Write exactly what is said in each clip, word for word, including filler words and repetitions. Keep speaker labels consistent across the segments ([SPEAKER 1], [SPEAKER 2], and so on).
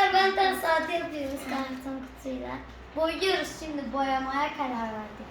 [SPEAKER 1] Arkadaşlar ben de saati yapıyoruz karton kutuyla. Boyuyoruz şimdi, boyamaya karar verdik.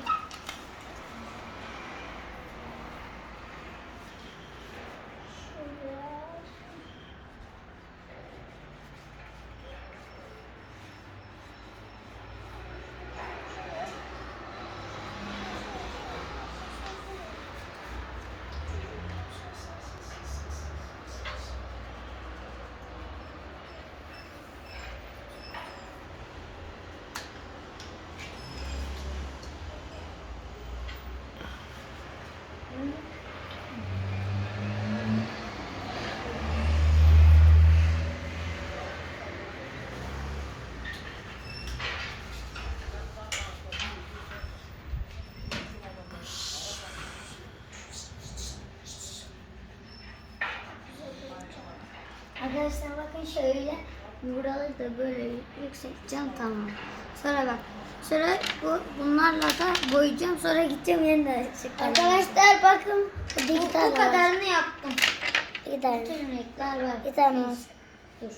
[SPEAKER 1] Arkadaşlar bakın şöyle buraları da böyle yükselteceğim, tamam. Sonra bak sonra bu bunlarla da boyayacağım, sonra gideceğim yeniden çıkaracağım. Arkadaşlar bakın bu, bu kadarını yaptım. Bir tane. Bütün renkler var. Bir tane. Dur.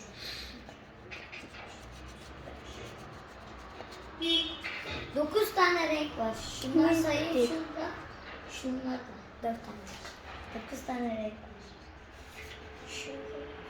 [SPEAKER 1] Dokuz tane renk var. Şunlar sayayım, şurada. Şunlar da dört tane. Dokuz tane renk var. Şurada.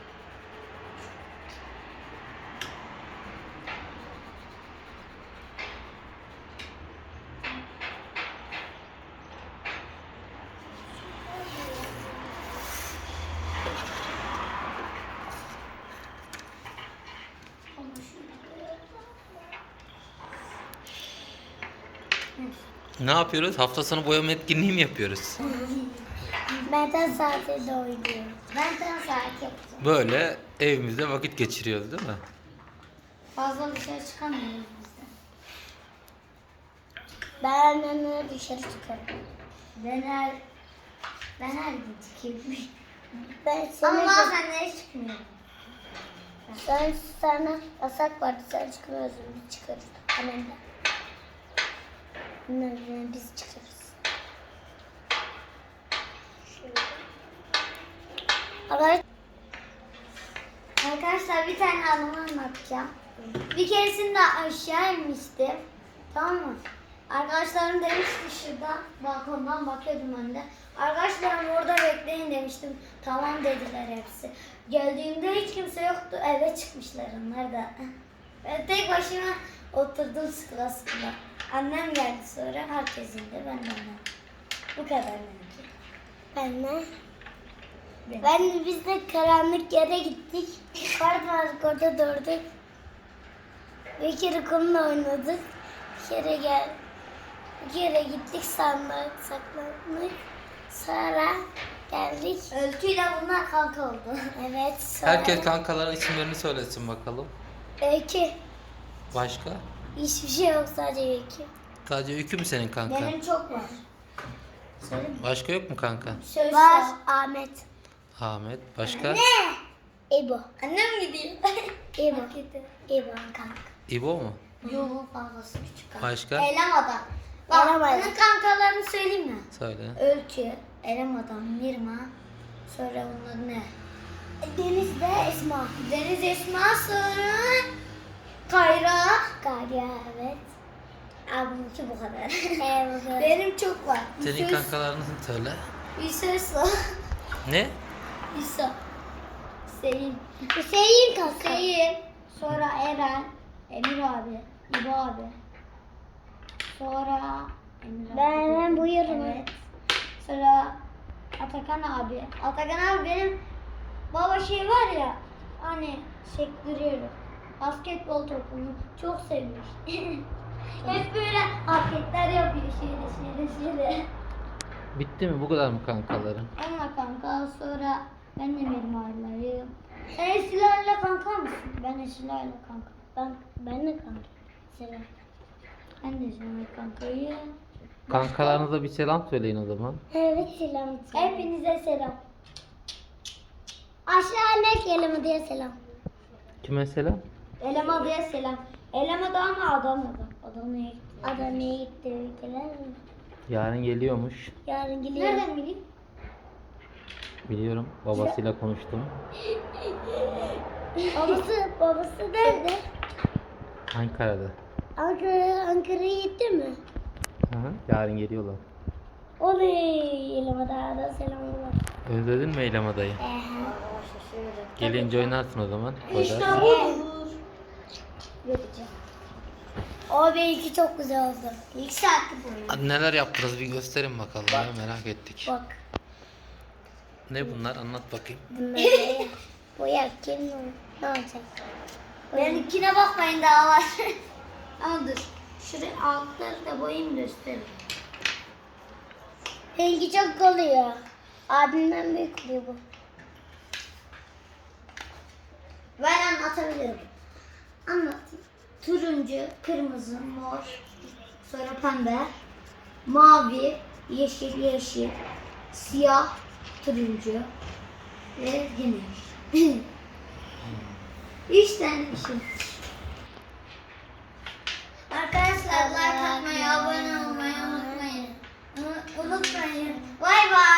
[SPEAKER 2] Ne yapıyoruz? Hafta sonu boyama etkinliği mi yapıyoruz?
[SPEAKER 1] Benden saate de oynuyoruz. Benden saat yapacağım.
[SPEAKER 2] Böyle evimizde vakit geçiriyoruz değil mi?
[SPEAKER 1] Fazla dışarı çıkamıyoruz biz de. Ben annemle dışarı çıkarım. Ben her, ben her gün çıkıyorum. Ben Ama bazen nereye çıkmıyorum. Ben sana yasak var, dışarı çıkmıyoruz, biz çıkarız. Annemle. Bunlarla biz çıkarız. Şöyle. Arkadaşlar bir tane anımı anlatacağım. Bir keresinde aşağı inmiştim. Tamam mı? Arkadaşlarım demişti, şurada balkondan bakıyordum ben de. Arkadaşlarım orada bekleyin demiştim. Tamam dediler hepsi. Geldiğimde hiç kimse yoktu. Eve çıkmışlar onlar da. Ben tek başıma oturdum sıkıla sıkıla. Annem geldi sonra, herkes indi, ben de annem. Bu kadar benimki. Ben de. Ben de biz de karanlık yere gittik. Kart vardık, orada durduk. Bir kere kumla oynadık. Bir kere gel. Bir kere gittik, sandık saklandık. Sonra geldik. Ölçüyle bunlar kanka oldu. Evet. Sonra...
[SPEAKER 2] Herkes kankaların isimlerini söylesin bakalım.
[SPEAKER 1] Öykü.
[SPEAKER 2] Başka?
[SPEAKER 1] Hiçbir şey yok, sadece öykü.
[SPEAKER 2] Sadece Öykü mü senin kanka?
[SPEAKER 1] Benim çok var. Söyleyeyim mi?
[SPEAKER 2] Başka yok mu kanka?
[SPEAKER 1] Söz var. Ahmet.
[SPEAKER 2] Ahmet. Başka?
[SPEAKER 1] Ne? İbo. Annem gidiyor. İbo. İbo kanka.
[SPEAKER 2] İbo mu?
[SPEAKER 1] Yok, fazlası küçük kanka.
[SPEAKER 2] Başka?
[SPEAKER 1] Elema'dan. Bak, onun kankalarını söyleyeyim mi?
[SPEAKER 2] Söyle.
[SPEAKER 1] Ölçü, Elema'dan, Mirma. Sonra onun adı ne? Deniz'de Esma. Deniz Esma, sonra Kayra. Kayra, evet. Abimki bu kadar. Evet, bu kadar. Benim çok var.
[SPEAKER 2] Senin
[SPEAKER 1] Yusuf-
[SPEAKER 2] kankalarını söyle.
[SPEAKER 1] Yusuf.
[SPEAKER 2] Ne?
[SPEAKER 1] Yusuf. Hüseyin. Hüseyin kanka. Hüseyin. Sonra Eren. Emir abi. İbo abi. Sonra Emir abi. Ben buyurun. Evet. Sonra Atakan abi. Atakan abi benim baba şey var ya, hani sektiriyorum. Basketbol topunu çok sevmiş. Hep böyle hareketler yapıyor, şöyle şöyle şöyle.
[SPEAKER 2] Bitti mi? Bu kadar mı kankaların?
[SPEAKER 1] Onunla kanka, sonra ben de benim aileleriyim. Sen Esra'yla kanka mısın? Ben Esra'yla kanka. Ben ben de kanka. Esra. Ben de Esra'yla kankayım.
[SPEAKER 2] Kankalarınıza bir selam söyleyin o zaman.
[SPEAKER 1] Evet, selam. Hepinize selam. Aşağı ne Elema diye selam.
[SPEAKER 2] Kime selam?
[SPEAKER 1] Elema diye selam. Elema da ama Adana'da. Adana'ya gitti. Adana'ya gitti ülkeler mi?
[SPEAKER 2] Yarın geliyormuş.
[SPEAKER 1] Yarın geliyor. Nereden bileyim?
[SPEAKER 2] Biliyorum. Babasıyla konuştum.
[SPEAKER 3] Babası, babası nerede?
[SPEAKER 2] Ankara'da.
[SPEAKER 3] Ankara, Ankara'ya gitti mi?
[SPEAKER 2] Hı hı. Yarın geliyorlar.
[SPEAKER 3] Oley! Yelemada da selamlar.
[SPEAKER 2] Özledin mi Eylem adayı?
[SPEAKER 3] Ehe.
[SPEAKER 2] Gelince oynarsın o zaman.
[SPEAKER 3] İşte
[SPEAKER 2] Oynarsın.
[SPEAKER 3] budur. Vereceğim. O benimki çok güzel oldu.
[SPEAKER 1] İlk saatlik oyun.
[SPEAKER 2] Hadi neler yaptınız bir gösterin bakalım ya, merak ettik.
[SPEAKER 3] Bak.
[SPEAKER 2] Ne bunlar, anlat bakayım.
[SPEAKER 3] Bunları boyak kim ne olacak?
[SPEAKER 1] Benimkine bakmayın daha var. Ama dur. Şuraya altları da boyayayım göstereyim.
[SPEAKER 3] Benimki çok oluyor. Abimden büyük oluyor bu.
[SPEAKER 1] Ben anlatabilirim. Anlatayım. Turuncu, kırmızı, mor, sonra pembe, mavi, yeşil, yeşil, siyah, turuncu ve güneş. Üç tane bir şey. Arkadaşlar like atmayı, abone olmayı unutmayın. Unutmayın. Bay bay.